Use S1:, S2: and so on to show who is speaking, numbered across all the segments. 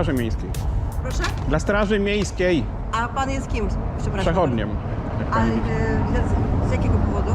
S1: Straży Miejskiej.
S2: Proszę?
S1: Dla Straży Miejskiej.
S2: A pan jest kim? Przepraszam.
S1: Przechodniem.
S2: A z jakiego powodu?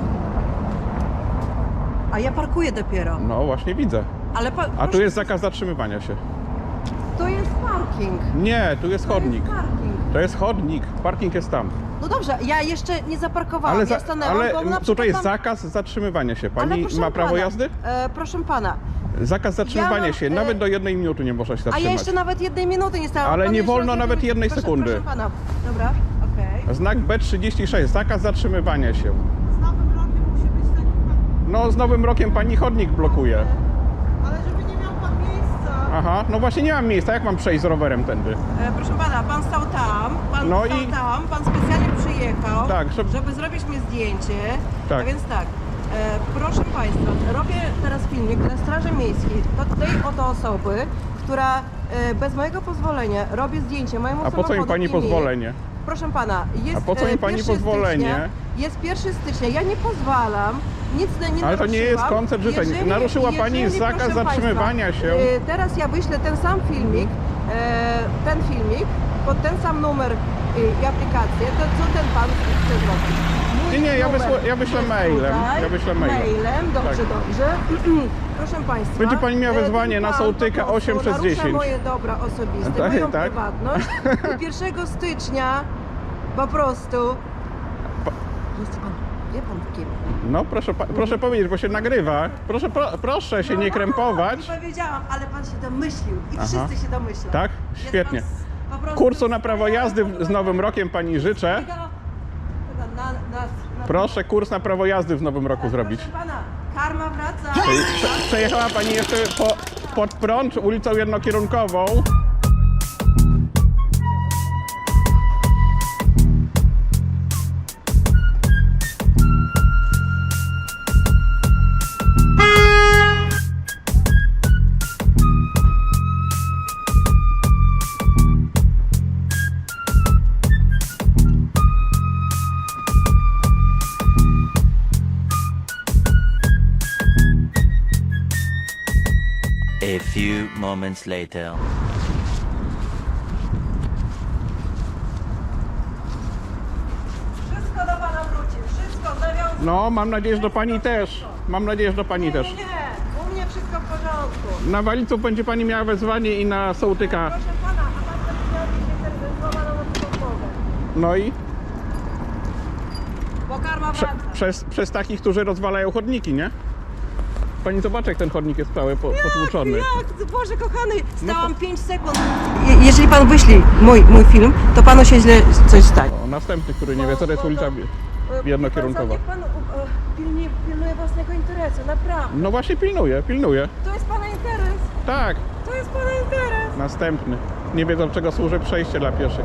S2: A ja parkuję dopiero.
S1: No właśnie widzę.
S2: Ale
S1: A tu jest zakaz zatrzymywania się.
S2: To jest parking.
S1: Nie, tu jest chodnik.
S2: To jest parking.
S1: To jest chodnik. Parking jest tam.
S2: No dobrze, ja jeszcze nie zaparkowałam.
S1: Ale,
S2: Ja stanęłam, bo na
S1: tutaj
S2: przykład
S1: jest
S2: mam...
S1: zakaz zatrzymywania się.
S2: Ale
S1: Pani
S2: proszę
S1: ma prawo
S2: pana,
S1: jazdy?
S2: Proszę pana.
S1: Zakaz zatrzymywania
S2: mam,
S1: się. Nawet do 1 minuty nie można się
S2: A
S1: zatrzymać.
S2: ja jeszcze nawet 1 minuty nie stałam.
S1: Ale
S2: Pan
S1: nie
S2: jeszcze
S1: wolno
S2: raz
S1: nawet
S2: jednej-
S1: 1
S2: proszę,
S1: sekundy.
S2: Proszę pana. Dobra, okej.
S1: Znak B36. Zakaz zatrzymywania się.
S3: Z nowym rokiem musi być taki pan,
S1: No z nowym rokiem pani chodnik blokuje.
S3: ale żeby nie miał pan miejsca.
S1: Aha, no właśnie nie mam miejsca. Jak mam przejść z rowerem tędy?
S2: Proszę pana, pan stał tam,
S1: No
S2: stał
S1: i-
S2: tam, pan specjalnie przyjechał,
S1: Tak,
S2: żeby zrobić mi zdjęcie.
S1: Tak.
S2: A więc tak, proszę państwa, robię teraz filmik dla Straży Miejskiej, do tej oto osoby, która bez mojego pozwolenia robi zdjęcie mojemu
S1: A po co
S2: samochodu
S1: mi pani
S2: i mi.
S1: pozwolenie?
S2: Proszę pana, jest
S1: A po co mi pani
S2: 1
S1: pozwolenie?
S2: Stycznia, jest 1 stycznia, ja nie pozwalam, nic nie naruszyłam.
S1: Ale to nie jest koncert życzeń. Naruszyła pani zakaz
S2: proszę
S1: zatrzymywania
S2: państwa,
S1: się.
S2: Teraz ja wyślę ten sam filmik, pod ten sam numer i aplikację, to co ten pan chce zrobić? Mój
S1: Nie, ja
S2: numer
S1: wyślę
S2: jest
S1: mailem.
S2: tutaj.
S1: Ja wyślę mailem.
S2: Dobrze,
S1: Tak.
S2: dobrze. Proszę państwa.
S1: Będzie pani miała wezwanie
S2: ten
S1: na
S2: pan
S1: sołtyka
S2: po prostu
S1: 8 przez 10.
S2: narusza moje dobra osobiste,
S1: Tak,
S2: moją
S1: tak.
S2: prywatność. I 1 stycznia po prostu... Jest pan, wie pan kim?
S1: No proszę powiedzieć, bo się nagrywa. Proszę się nie krępować.
S2: Nie powiedziałam, ale pan się domyślił i
S1: Aha.
S2: wszyscy się domyślą.
S1: Tak?
S2: Jest
S1: Świetnie.
S2: pan po prostu
S1: Kursu na prawo jazdy z nowym rokiem pani życzę. Proszę kurs na prawo jazdy w nowym roku zrobić.
S2: Proszę pana, karma wraca.
S1: Przejechała pani jeszcze pod prąd ulicą jednokierunkową.
S4: A few moments later.
S2: Wszystko do pana wróci, wszystko zawiązane.
S1: No, mam nadzieję, że do pani też. Mam nadzieję, że do pani też.
S2: Nie, u mnie wszystko w porządku.
S1: Na Waliców będzie pani miała wezwanie i na sołtyka.
S2: Proszę pana, a pan będzie miał mieć złamaną odstępową.
S1: No i
S2: Bo karma wraca.
S1: przez takich, którzy rozwalają chodniki, nie? Pani zobaczy, jak ten chodnik jest cały potłuczony.
S2: Jak? Boże kochany, stałam 5 sekund. Jeżeli pan wyśli mój film, to panu się źle coś stanie.
S1: O, następny, który nie wie, co to jest ulica jednokierunkowa.
S2: Niech pan pilnuje własnego interesu, naprawdę.
S1: No właśnie pilnuję.
S2: To jest pana interes.
S1: Tak,
S2: To jest pana interes.
S1: następny. Nie wiedzą, czego służy przejście dla pieszych.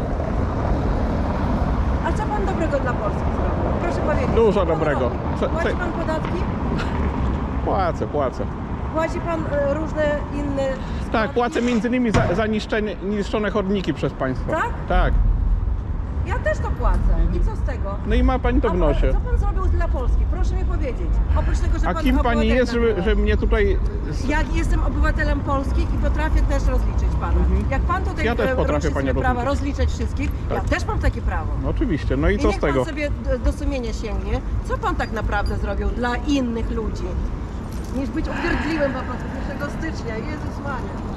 S2: A co pan dobrego dla Polski zrobił? Proszę powiedzieć.
S1: Dużo
S2: co pan
S1: dobrego.
S2: robi? Płaci pan podatki?
S1: Płacę.
S2: Płaci pan różne inne...
S1: Tak,
S2: składki?
S1: płacę między innymi za niszczone chodniki przez państwo.
S2: Tak?
S1: Tak.
S2: Ja też to płacę. I co z tego?
S1: No i ma pani to w nosie.
S2: Co pan zrobił dla Polski? Proszę mi powiedzieć. Oprócz tego, że
S1: A
S2: pan
S1: kim pani
S2: obywatelem
S1: jest,
S2: był.
S1: że mnie tutaj...
S2: Ja jestem obywatelem Polski i potrafię też rozliczyć pana. Jak pan tutaj
S1: Ja też potrafię
S2: ruszy
S1: panią
S2: sobie prawa
S1: rozliczyć.
S2: rozliczać wszystkich, ja
S1: Tak.
S2: też mam takie prawo.
S1: No oczywiście, no i co
S2: niech
S1: z tego?
S2: pan sobie do sumienia sięgnie, co pan tak naprawdę zrobił dla innych ludzi, niż być uwierdliwym po prostu 1 stycznia. Jezus Maria.